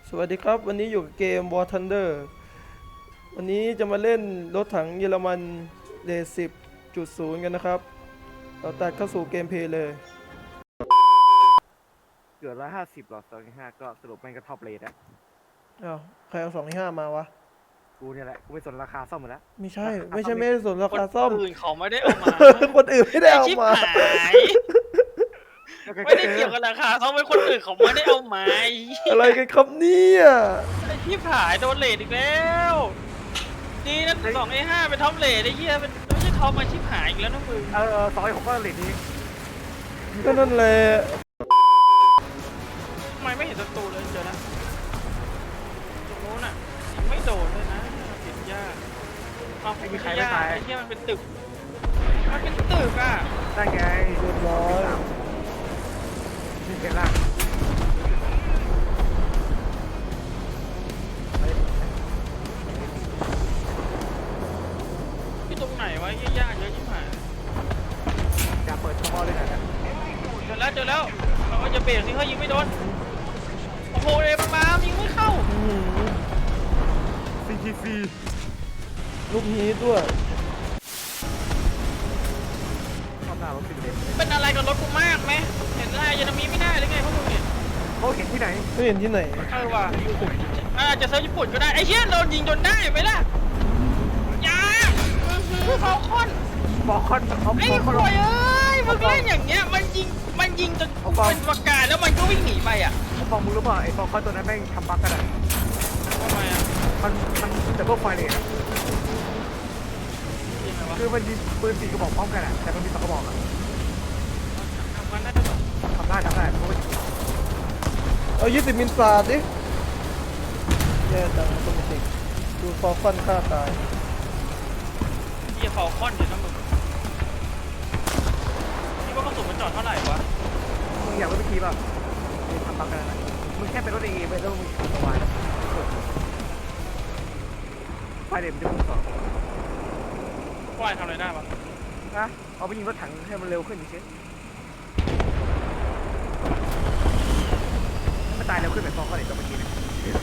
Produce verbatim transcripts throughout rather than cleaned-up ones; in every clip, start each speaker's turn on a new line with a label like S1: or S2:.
S1: สวัสดีครับวันนี้อยู่กับเกม War Thunder วันนี้จะมาเล่นรถถังเยอรมันเลสิบจุดศูนย์กันนะครับเราตัดเข้าสู่เกมเพลย์เลย
S2: เกือบร้อยห้าสิบหรอสองห้าก็สรุปแม่งก็ท็อปเลทอะ
S1: อ้าวใครเอาสองห้ามาวะ
S2: กูเนี่ยแหละกูไปสนราคาซ่อมหมดแล้ว
S1: ไม่ใช่ไม่ใช่ไม่ได้สนราคาซ่อม
S3: คนอื่นเขาไม่ได้เอามา
S1: คนอื่นไม่ได้เอา
S3: ชิบ
S1: มา
S3: หายไม่ได้เกี่ยวกับราคาเขาเป็นคนอื่นเขาไม่ได้เอามา
S1: อะไรกันครับเนี่ย
S3: ไอ้ชิบหายโดนเลทอีกแล้วดีนะสองไอ้ห้าเป็นท็อปเลทไอ้เหี้ยเป็นไม่ใช่ท็อปมาชิบหายอีกแล้วนะมึง
S2: เออสองไอ้ผมก็เลทนี้
S1: ก็นั่นแหละ
S3: ทำไมไม่เห็นศัตรูเลยเจอนะตรงโน้นอ่ะยิงไม่โดนเลยนะติดยากเอาไม่ใช่ยากไอ้เหี้ยมันเป็นตึกมันเป็นตึกอ่ะ
S2: ได้ไง
S1: เรียบร้อย
S2: นี่เห็นละ
S3: ที่ตรงไหนวะเหี้ยยากเยอะชิบหาย
S2: จะเปิดช่องเลยนะ
S3: เจอแล้วเจอแล้วเราก็จะเบรกสิเขายิงไม่โดนโอ้โหเอมันมายิงไม่เข้า
S1: อื้อหือ
S2: ซีทีซี
S1: ลูกฮีทด้วย
S2: ข้างหน้ารถสิบเอ็ด
S3: เป็นอะไรกับรถกูมากไหมเห็นอะไรยันมีไม่ได้หรือไงพวกมึงเนี่ย
S2: เขาเห็นที่ไหน
S1: ไม่เห็นที่ไหน
S3: เออว่ะอาจจะเซิร์ฟญี่ปุ่นก็ได้ไอ้เชี่ยโดนยิงจนได้ไหมล่ะยาฟอลคอน
S2: บอกคอนเขา
S3: ไอ้
S2: บอก
S3: ค
S2: คอน
S3: วยเอ้ยมึงเล่นอย่างเงี้ยมันยิงมันยิงจนเป็นประกาศแล้วมันก็วิ่งหนีไปอ่ะ
S2: เขาบอกมึงรู้ป่ะไอ้บอกคอนตัวนั้นแม่งทำบั๊กกันอะ
S3: ทำไมอ่ะ
S2: มันมันแต่พวกไฟเลยอะ
S3: ยิงไงวะ
S2: คือมันยิงปืนสี่กระบอกพร้อมกันอะแต่มันมีสองกระบอกอะ
S3: ทำกันได้ด้วยเหรอ
S2: ทำได้ทำได้เพราะว่า
S1: เอายี่สิบมิลสาดดิแย่จังตัวมันติดดูฟอลคอนฆ่าตาย
S3: เฮียฟอลคอนเดี๋ยวนะมึงคิดว่ากระสุนมันจอดเท่าไหร่วะ
S2: มึงอยากรู้วิธีป่ะมึงทำบั๊กกันนะมึงแค่เป็นรถเอไปแล้วมึงขับสบายไฟเด็กมันจะพุ่งต่อ
S3: ว่ายทำอะไรได้ปะ
S2: นะเอาไปยิงรถถังให้มันเร็วขึ้นเฉยมันตายเร็วขึ้นแบบฟองก็เด็กตัวเมื่อกี้นะเดี๋ยว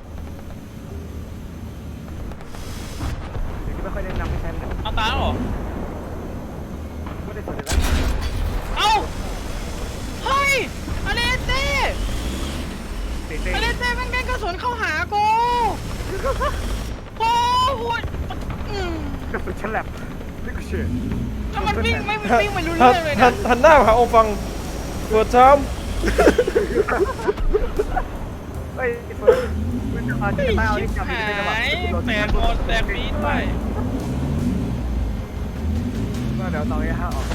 S2: นี้ไม่ค่อยแนะนำให้ใช้มัน
S3: เอาตาแล้วเหรอ
S2: ไม่ได้สนใจแล้ว
S3: เอ้า เฮ้ยอเลเต้
S2: เตะเตะ
S3: อเลเต้แม่งเด้งกระสุนเข้าหากูโอ้โหอืม
S2: กระสุนฉลับนี่ก็เชื่อ
S3: แล้วมันวิ่งไม่วิ่งไม่รู้
S1: หั
S3: เรื่
S1: น
S3: องเลย
S1: หั
S3: นะ
S1: นหันหน้าหาองฟังเปิดช้
S2: เฮ้ยเฟิร์สมึงจะมาจะ
S3: ไอ้
S2: ตายเอา
S3: ชิ
S2: ที่
S3: บ
S2: จับ
S3: หา
S2: ไม่ได้หรอก
S3: ยแตกหมดแตกปีดด้วย
S2: เดี๋ยวต่อไอ้ห้าออก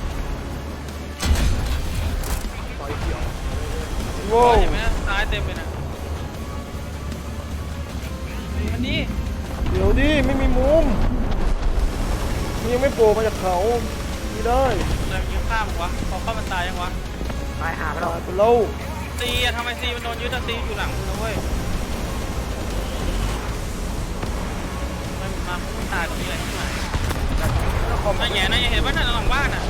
S2: ต่อไอ้ที่ออก
S1: ำ
S3: โอ้
S1: โว้
S3: ยเห็นไหมนะซ้ายเต็มเลยนะอันนี้
S1: เดี๋ยวดิไม่มีมุมมันยังไม่โผล่มาจากเขาไม่ได้
S3: อะไรมันยิงข้ามวะพอเข้ามันตายยังวะ
S2: ตายหาไปแล้ว
S1: ตายไปแล้ว
S3: ซีอะทำไมซีมันโดนยึดอะซีอยู่หลังมึงนะเว้ยไม่มาไม่ตายตรงนี้เลยที่ไหนไอ้แง่นะยังเห็นว่านั่นหลังบ้านอ่ะ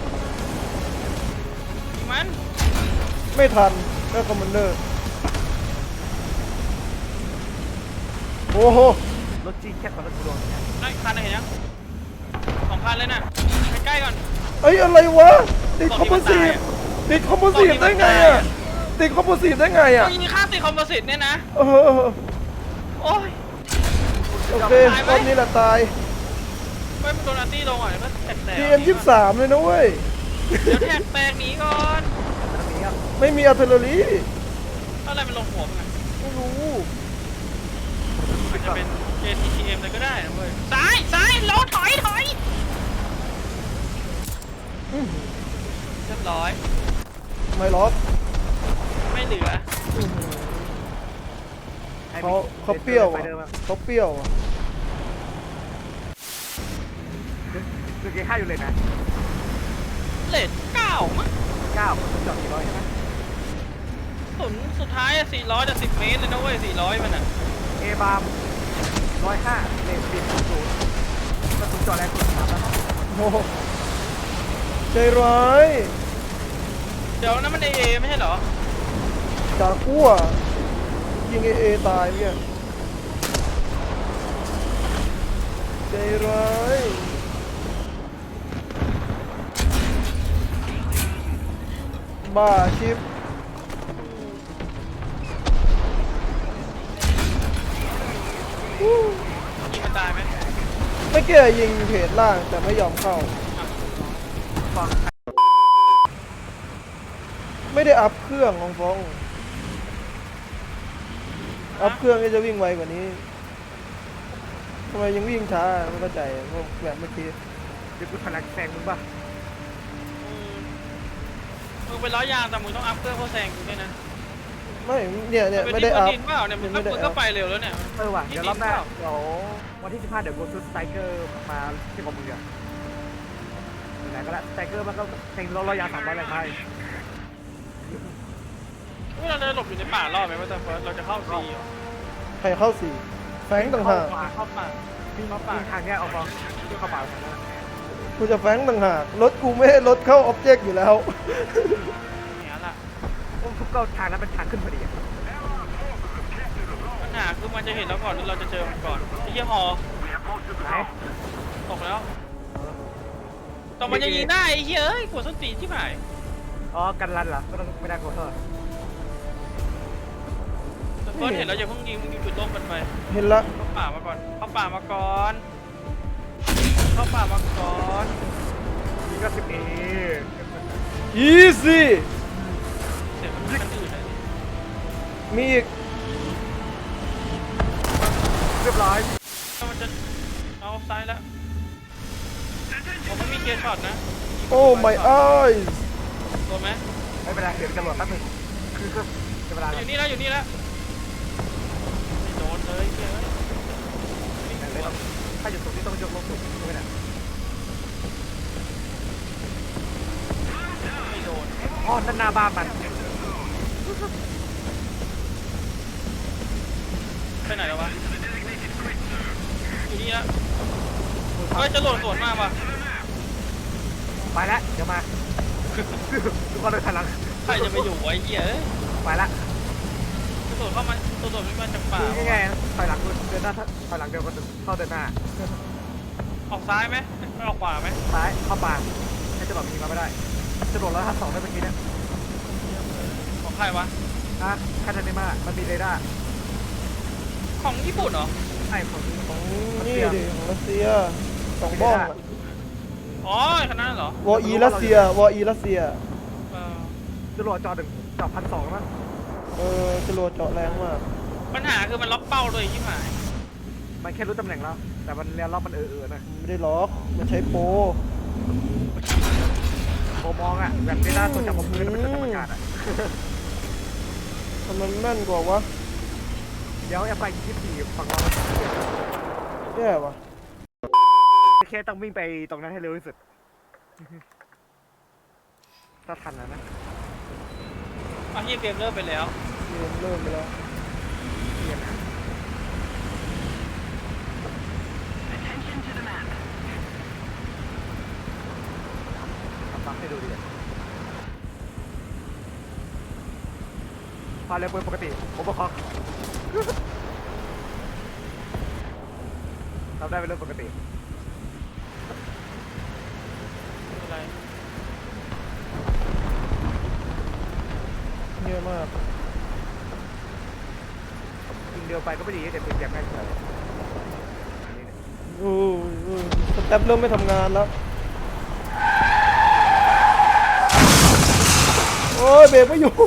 S3: ยิงมัน
S1: ไม่ทันแล้วคอมมานเดอร์โอ้โห
S2: รถจีแคบกว่ารถดวงเนี่ย
S3: นั่นคันไหนเห็นยังสองคันเลยน่ะใกล้ๆก่อน
S1: เอ้ยอะไรวะติดคอมโพสิตติดคอมโพสิตได้ไงอ่ะติดคอมโพสิตได้ไงอ่ะ
S3: ต้องยิงข้ามติดคอมโพสิตเนี่ยนะ
S1: เออเออ
S3: โอ้ย
S1: โอเครอบนี้แหละตาย
S3: ไม่โดนอาร์ตี้ลงอ่ะเดี๋ยวก็แตกแตก
S1: พี เอ็ม ยี่สิบสามเลยนะเว้ย
S3: เดี๋ยวแท็กแตกหนีก่อน
S2: ตรงนี้ครับ
S1: ไม่มีอาร์เทอร์รี่
S3: อะไรมันลงหัวมัน
S1: ไม่รู้
S3: อาจจะเป็น เอ ที ที เอ็ม เลยก็ได้นะเว้ยซ้ายซ้ายรอถอยถอย
S1: อื้อหือ
S3: เรียบร้อย
S1: ไม่ล็อก
S3: ไม่เหลือ
S1: อื้อหือเขาเขาเปรี้ยวอ่ะเขาเปรี้ยวอ่ะ
S2: คือเกย์ห้าอยู่เลยนะ
S3: เลทเก้ามั้ง
S2: เก้าคนจอดกี่ร้อยใช่ไหม
S3: สุนสุดท้ายอะสี่ร้อยจะสิบเมตรเลยนะเว้ยสี่ร้อยมันอ่ะ
S2: เอบามร้อยห้าเลนบินศูนย์กระสุนจอดแรงสุดสามแล้ว
S1: โอ้โหใจร้าย
S3: เดี๋ยวนั้นมันเอเอไม่ใช่เหรอ
S1: จากกั้วยิยิงเอเอตายเนี่ยใจร้ายบ้าชิป
S3: ยิงมันตายไหม
S1: ไม่เกี่ยยิงเพจล่างแต่ไม่ยอมเข้า
S2: ฟัง
S1: ไม่ได้อัพเครื่องของฟองอัพเครื่องก็จะวิ่งไวกว่านี้ทำไมยังวิ่งช้าไม่เข้าใจพวกแบบเมื่อกี้
S2: เดี๋ยวกูพลังแซงมึงป่ะ
S3: อืมมึงเป็นล้อยางแต่มึงต้องอัพเครื่องเพื่อแซงกูด้วยนะ
S1: ไม่เนี่ยเนี่ย
S3: เป็น
S1: ไม่
S3: ที่
S1: ได้
S3: บน
S1: อัพ
S3: ดินเปล่าเนี่ยมึงก็
S1: ไม่ได้
S3: มึง
S1: อั
S3: ก็
S1: พ
S3: ไปเร็วแล้วเนี่ย
S2: เออว่ะ
S3: ที่
S2: เดี๋ยวรอบหน้า
S3: ดินเปล่า
S2: เดี๋ยววันที่สิบห้าเดี๋ยวกูซื้อสไตรเกอร์มาที่กองมืออะไหนก็ได้สไตรเกอร์มันก็แข่งรถระยะสามร้อยแรงไทย
S3: เวลาเราหลบอยู่ในป่ารอบไหมว่าแต่เฟิร์สเราจะเข้าซีเหรอ
S1: ใครเข้าสี่แฟงต่างหาก
S3: เข้าป่า
S2: วิ่ง
S3: เข้าป่า
S2: วิ่งทางเนี้ยเอาฟองวิ่งเข้าป่าทางนั้น
S1: กูจะแฟงต่างหากรถกูไม่ให้รถเข้าออบเจกต์อยู่แล้ว
S3: เนี่ยล่ะ
S2: โอ้ทุกเก้าทางนั้นเป็นทางขึ้นพอดีอะ
S3: ปัญหาคือมันจะเห็นเราก่อนหรือเราจะเจอมันก่อนไอ้เหี้ยฮอ
S2: ไหน
S3: ตกแล้วแต่มันยังยิงได้ไอ้เหี้ยเอ้ยปวดส้นตีนที่ไหน
S2: อ๋อกันรันเหรอก็ต้องไม่ได้โกเทอร์
S3: แต่เฟิร์สเห็นแล้วอย่าเพิ่งยิงมึงยิงจุดล่มกันไป
S1: เห็นละ
S3: เข้าป่ามาก่อนเข้าป่ามาก่อนเข้าป่ามาก่อน
S2: นี่ก็สิบเอ
S1: อีซี่
S3: เสียงมันมีกันอื่นเลย
S1: มีอีก
S2: เรียบร้อย
S3: มันจะเอาซ้ายแล้วผมไม่มีเคลียร์ช็อตนะ
S1: โอ้ my eyes
S3: โดนไหม
S2: ไม่เป็นไรเดี๋ยวจะโหลดแป๊บนึงคือก็จะเวลา
S3: อยู่นี่แล้วอยู่นี่แล้วไม่โดนเลยเฮ้ยไม่
S2: ไม่
S3: โดน
S2: ต้องถ้าอยู่ตรงนี้ต้องยกลงสูงไม่ได้
S3: ไม่โดน
S2: อ๋อนั่นหน้าบ้านมัน
S3: ไปไหนแล้ววะอยู่นี่แล้วเฮ้ยจะโหลดสวนมาป่ะ
S2: ไปแล้วเดี๋ยวมาทุกคนเลยพลัง
S3: ใครจะไปอยู่ไว้เหี้ยเอ้ย
S2: ไปละ
S3: จะโดดเข้ามาตัวโดดไม่มาจากป่า
S2: คือง่ายๆถอยหลังเดินหน้าถอยหลังเดินเข้าเดินหน้า
S3: ออกซ้ายไหมไม่ออกขวาไหม
S2: ซ้ายเข้าป่าให้จะบอกมีมาไม่ได้จะบอกแล้วถ้าสองได้เมื่อกี้เนี่ย
S3: ของใครวะ
S2: นะคาทาเนมามันมีเรดาร์
S3: ของญี่ปุ่นเหรอ
S2: ไอ้ของ
S1: ของนี่ดิของรัสเซียสองบ้องอะ
S3: อ๋อขนาดนั้นเหรอ
S1: วออีรัสเซียวออีรัสเซีย
S3: เออ
S2: จะโหลดจอหนึ่งจอพันสองมั้ง
S1: เออจรวดเจาะแรงมาก
S3: ปัญหาคือมันล็อกเป้าเลยที่หมาย
S2: มันแค่รู้ตำแหน่งแล้ว แต่มันเรียนรอบมันเออๆนะ
S1: ไม่ได้ล็อกมันใช้โปร
S2: โมมองอ่ะแบบเรดาร์ตัวจับบนพื้นแล้วมันจะจับอากาศอ่ะ
S1: ทำไมมันแม่นกว่าวะ
S2: เดี๋ยวแอปไปยี่สิบสี่ฝั่งเรา
S1: แย่วะ
S2: แค่ต้องวิ่งไปตรงนั้นให้เร็วที่สุดถ้าทันนะนะ
S3: เอาเฮียเกมเริ่มไปแล้ว
S1: เกมเริ่มไปแล้ว
S2: เรียนนะทำบัฟให้ดูดิพาเร็วเปิดปกติผมบอกเขาทำได้เป็นเรื่องปกติ
S3: อะไร
S1: เงียบมาก
S2: ยิงเดียวไปก็ไม่ดีแต่ปืนแจกง่ายเฉย
S1: อู้อู้สแต็ปเริ่มไม่ทำงานแล้ว โอ้ยเบรกไม่อยู่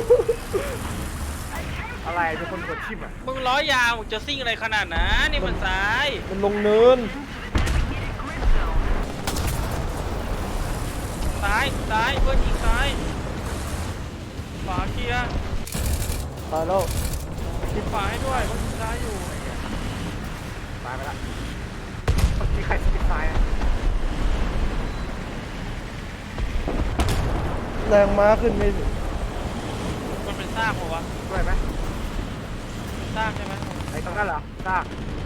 S2: อะไรเป็นคนกดชิมอ่ะ
S3: มึงล้อยาวมึงจะซิ่งอะไรขนาดนั้นนี่มันซ้าย
S1: มันลงเนิน
S3: ซ้ายซ้ายเพื่อนยิงซ้ายขวาเคลียร์
S1: ตายแล้ว
S3: ปิดขวาให้ด้วยเพื่อนยิงซ้ายอยู่
S2: ตายไปละเมื่อกี้ใครสปิดซ้ายอ่ะ
S1: แรงม้าขึ้นไม่ถึง
S3: มันเป็นซากปะวะ
S2: ด้วยไหม
S3: เป็นซากใช่ไหม
S2: ไอ้ตรงนั้นเหรอซาก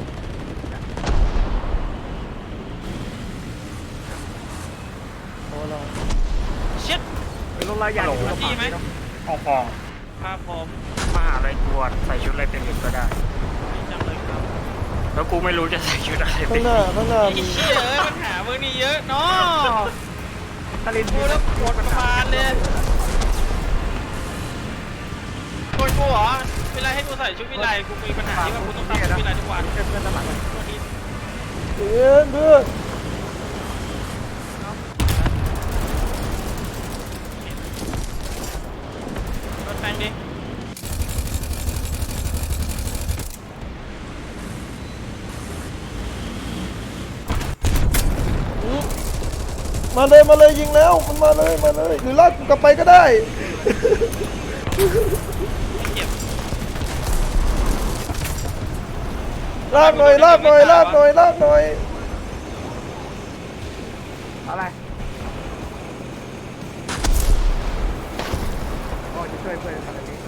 S1: โอ้เรา
S3: เช็ด
S2: เป็นลงรายใหญ่
S3: ฮัลโหลดีไหม
S4: ห้องฟอง
S3: ครับผม
S4: มหาลัยกวดใส่ชุดอะไรเป็นเด็กก็ได้
S3: แล้วกูไม่รู้จะใส่ชุดอะไร
S1: ข้างหน้าข้างหน้า
S3: ไอ้
S1: มี
S3: เชี่ยเอ้ยปัญหาเมื่อนี้เยอะเนาะ
S2: ตะลิน
S3: กูแล้วปวดประมาณเลยโกนกูเหรอเวลาให้กูใส่ชุดวิไลกูมีปัญหาที่ว่ากูต้องทำชุดวิไลทุกวัน
S2: เพื่อนเพื่อนตลาดเลย
S3: ตัวนี้
S1: เพื่อนเพื่อน
S3: รถแปลงดิ
S1: มาเลยมาเลยยิงแล้วมันมาเลยมาเลยหรือลากกูกลับไปก็ได้
S3: เก็บ
S1: ลากหน่อยลากหน่อยลากหน่อยลากหน่อย
S2: อะไรโอ้จะช่วยเพื่อนอะไรนี้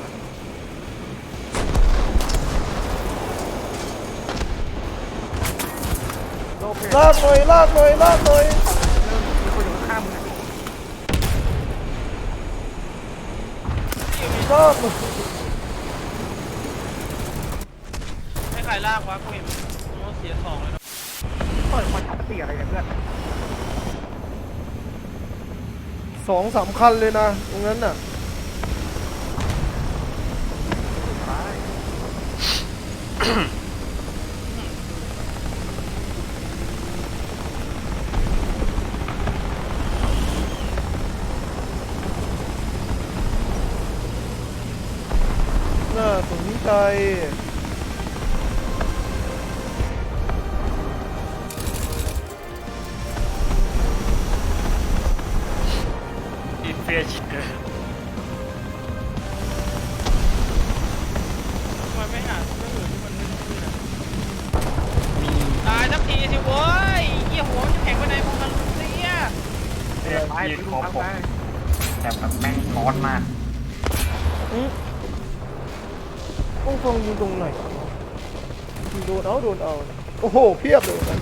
S2: โลเพ
S1: ลากหน่อยลากหน่อยลากหน่อย
S2: มีคนอยู่ข้างๆมึง
S1: ลากหน่อย
S3: ให้ใครลากวะกูเห็นโน้ตเสียสองเลยนะ
S2: เปิดคอนทัพตีอะไรเนี่ยเพื่อน
S1: สองสามคันเลยนะตรงนั้นน่ะ
S2: ตาย
S1: น่าสนใจ
S3: อินเฟียชิเกอร์ทำไมไม่หาเรื่องอื่นที่มันไม่ขึ้นอ่ะตายสักทีสิโว้ยเหี้ยหัวมันจะแข็งไปไหนพวกมันเสีย
S2: เนี่ยตายไปดูข้างใน
S4: แต่แบบแม่งร้อนมาก
S1: อืมต้องฟังยิงตรงไหนยิงโดนเอาโดนเอาโอ้โหเพียบเลยนะ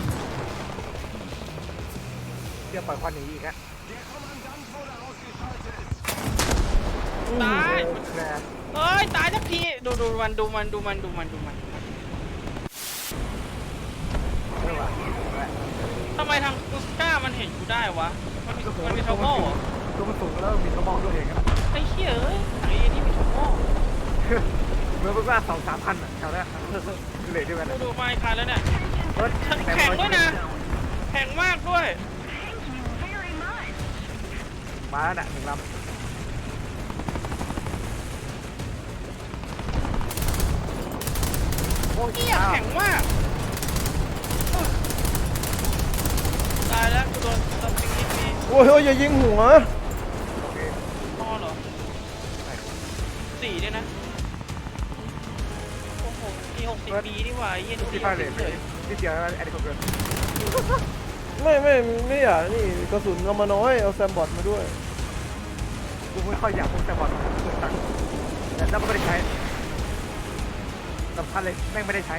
S2: เดี๋ยวปล่อยควันหนีอีกฮะ
S1: อืม
S3: ตาย
S2: แกร
S3: เอ้ยตายสักทีดูดูมันดูมันดูมันดูมันดูมัน
S2: เออว่ะ
S3: ทำไมทางกุสก้ามันเห็นกูได้วะมันมีมันมีทอมโม่เหรอ
S2: ตัวมันสูงแล้วมีกระบอกตัวเองครับ
S3: ไอ้เหี้ยเอ้ยไอ้นี่มีทอมโม่
S2: เมื่อเพิ่งว่าสองสามพันอ่ะแถวนี้เลยด้วยกัน
S3: กูดูมาอีกคันแล้วเนี่ย
S2: รถ
S3: แข็งแข็งด้วยนะแข็งมากด้วย
S2: มาแล้วน่ะหนึ่งลำโอ้ย
S3: เหี้ยแข็งมากตายแล้วกูโดนตัดสิ่งนี้มี
S1: โอ้ยเฮ้ยอย่ายิงหัว
S2: โอเค
S3: พอเหรอสี่ด้วยนะโอ้โหมีหกสิบปีนี่หว่าไอ้เหี้ยดู
S2: ที่
S3: ดิ
S2: พาเลท
S3: เฉย
S2: ที่เดียวแอดดิคอนเกิร์
S1: ไม่ไม่ไม่อยากนี่กระสุนเอามาน้อยเอาแซมบอทมาด้วย
S2: กูไม่ค่อยอยากพกแต่บอลตังค์แล้วก็ไม่ได้ใช้สำคัญเลยแม่งไม่ได้ใช้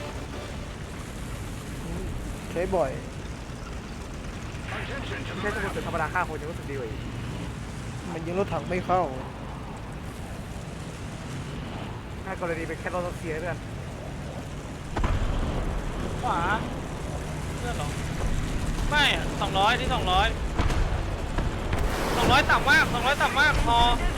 S1: ใช้บ่อย
S2: ใช้สมุดธรรมดาฆ่าคนยังรู้สึกดีกว่าอีก
S1: มันยิงรถถังไม่เข้า
S2: ถ้ากรณีเป็นแค่รถเสียเพื่อน
S3: ขวาเพื่อนเหรอไม่อะสองร้อยที่สองร้อยสองร้อยต่ำมากสองร้อยต่ำมากพอ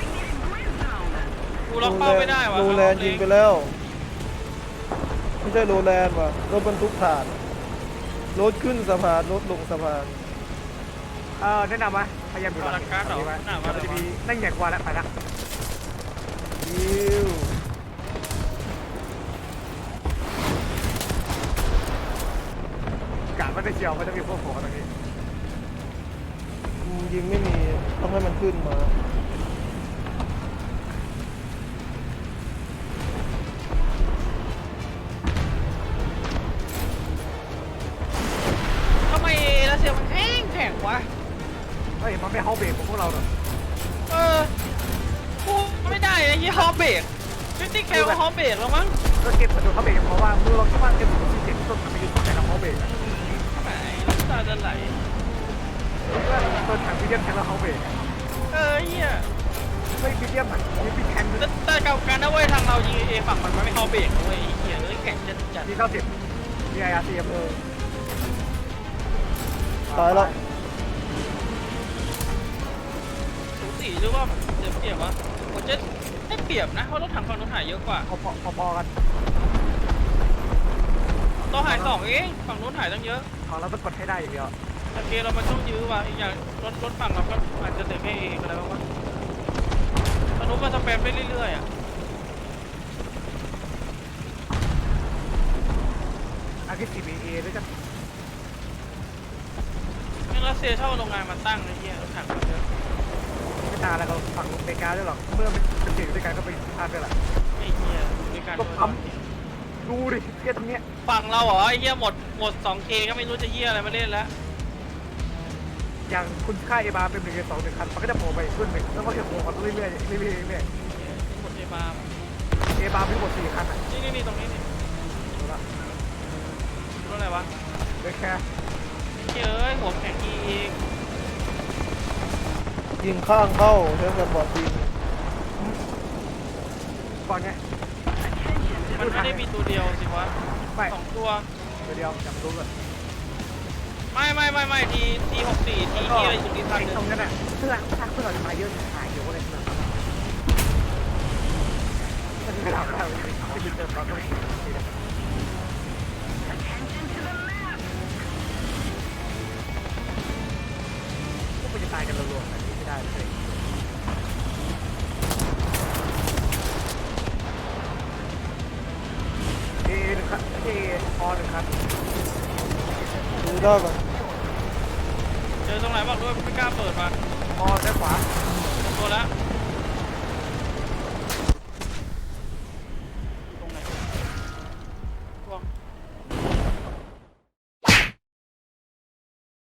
S3: กูล็อกเป้าไม่ได้วะ
S1: โรแลนด์ยิงไปแล้ว ไม่ใช่โรแลนด์ว่ะรถบรรทุกถ่านรถขึ้นสะพานรถลงสะพาน
S2: เออแนะนำว่าพยายามดู
S3: พาราการ์ดเหรอหน้ามา
S2: มัน
S3: เล
S2: จะ
S3: ยวะ
S2: มีนั่งใหญ่กว่าแล้วไปละ
S1: ยิว
S2: กาดไม่ได้เชียวมันจะมีพวกหัวตรงนี้
S1: อืมยิงไม่มีต้องให้มันขึ้นมา
S3: ทำไมรัสเซียมันแข็งแข็งวะ
S2: เฮ้ยมันไม่เฮาเบรกของพวกเราหรอก
S3: เออกูไม่ได้ไอ้ยี่ฮอเบรกฟิฟตี้แคลฮอเบรกแล้วมั้ง
S2: ก็เก็บกระดูกเฮาเบรกเพราะว่ามือเราคิดว่าเก็บกระดูกที่เจ็บต้นมันไม่ยุ่งแต่เราเฮาเบรก
S3: ไหนน้ำตาจะไหล
S2: เพื่อนต้นถังพิเดียมแทงเราเฮาเบรก
S3: เออเฮีย
S2: ไม่พิเดียมอ่ะมีพิแทง
S3: แต่แต่กับการนะเว้ยทางเรายิงเอฝั่งมันไม่ฮอเบรกนะเว้ยไอ้เฮียเอ้ยแข็งจัดจัด
S2: มีเก้าสิบมีไออาร์ซีเออ
S1: ตายแล้ว
S3: สูสีหรือว่าเสียเปรียบวะผมจะได้เปรียบนะเพราะรถถังฝั่งนู้นหายเยอะกว่า
S2: พอพอพอกัน
S3: ต่อหายสองเองฝั่งนู้นหายตั้งเยอะ
S2: ของเราต้องกดให้ได้อย่างเดียว
S3: แต่เกมเรามันต้องยื้อว่ะอีกอย่างรถรถฝั่งเราก็อาจจะเหลือแค่เองอะไรบ้างวะฝั่งนู้นมันสแปมไปเรื่อยๆอ่ะ
S2: อาร์คิซีบีเอด้วยกัน
S3: ยังรัสเซียเช่าโรงงานมาตั้งไอ้เหี้ยรถถังมันเยอะ
S2: ไม่นานแล้วเราฝั่งอเมริกาด้วยหรอกเมื่อมันเป็นเก่งด้วยกันก็ไปพลาดด้วยแหละ
S3: ไอ้เหี้ยด้วยการ
S2: ก็ปั๊ม ดูดิเทียตรงเนี้ย
S3: ฝั่งเราเหรอไอ้เหี้ยหมดหมด สองเค ก็ไม่รู้จะเหี้ยอะไรมาเล่นแล้ว
S2: อย่างคุณค่าเอบาเป็นหนึ่งในสองหนึ่งคันมันก็จะโผล่ไปอีกรุ่นหนึ่งแล้วมันก็จะโผล่มาเรื่อยๆเรื่อยๆเรื่อย
S3: หมดเอบาร์
S2: ๆเอบามีทั้งหมดสี่คันอ่ะ
S3: นี่นี่นี่ตรงนี้นี่
S2: ดูละ
S3: รถอะไรวะ
S2: เหลือแค่
S3: เฮ้ยเอ้ยหัวแข็งอีก
S1: ยิงข้างเข้าใช้สปอร์ตยิง
S2: ก่อนไง
S3: มันไม่ได้มีตัวเดียวสิวะ
S2: ไม่
S3: สองตัว
S2: เดี๋ยวเดียวจำรู้ก่อน
S3: ไม่ไม่ไม่ไม่ทีทีหกสี่ทีที่อะไรอยู่ที่ทัน
S2: ไอ้
S3: หนึ่
S2: ตรง
S3: ง
S2: นั้นอ่ะเพื่อถ้าเพื่อเราจะตายเยอะหายเยอะเลยนะมันไม่ทำได้เลยไม่ยืนเติมเราต้องพวกมันจะตายกันรัวๆแบบนี้ไม่ได้เลยเอหนึ่งครับเออหนึ่งครับ
S1: ดูได้ก่อน
S3: เจอตรงไหนบอกด้วยไม่กล้าเปิดมา
S2: อด้านขวา
S3: ตัวแล้ว
S2: อ